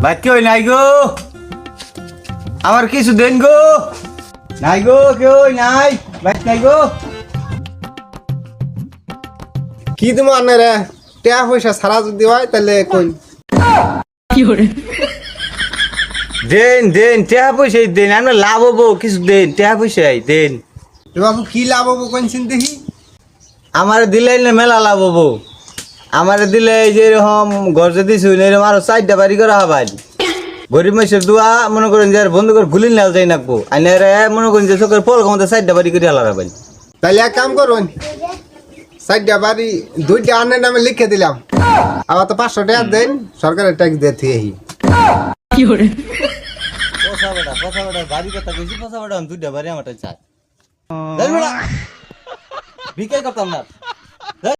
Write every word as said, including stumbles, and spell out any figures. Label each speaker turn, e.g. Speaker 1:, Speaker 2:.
Speaker 1: ভাত কেউ নাই গো, আমার কিছু দেন গো, নাই গো কেউ নাই, ভাত নাই গো।
Speaker 2: কি তুমি আনে রে টাকা পয়সা ছাড়া যদি হয় তাহলে কই
Speaker 1: দেন দেন টাকা পয়সাই দেন, আমরা লাভ হবো কিছু দেন, টাকা পয়সাই দেন।
Speaker 2: এ বাবু কি লাভ হবো কোনছিন দেখি।
Speaker 1: আমার দিলে না মেলা লাভ হবো, আমার দিলে এই যে এরকম ঘর যদি শুনে এরকম আরো চারটা বাড়ি করা হবাই। গরিব মানুষের দোয়া মনে করেন যে আর বন্ধু করে গুলি নাও যাই নাকবো, আইনারে মনে করেন যে চোখের পল ক্ষমতা চারটা বাড়ি করে আলাদা হবাই।
Speaker 2: তাহলে এক কাম করুন, চারটা বাড়ি দুইটা আনের নামে লিখে দিলাম, আবার তো পাঁচশো টাকা দেন, সরকারের ট্যাক্স দিয়ে থিয়ে
Speaker 1: পয়সা বেটা পয়সা বেটা বাড়ি কথা কইছি, পয়সা বেটা আমি দুইটা বাড়ি আমার চাই ভিকাই করতাম না।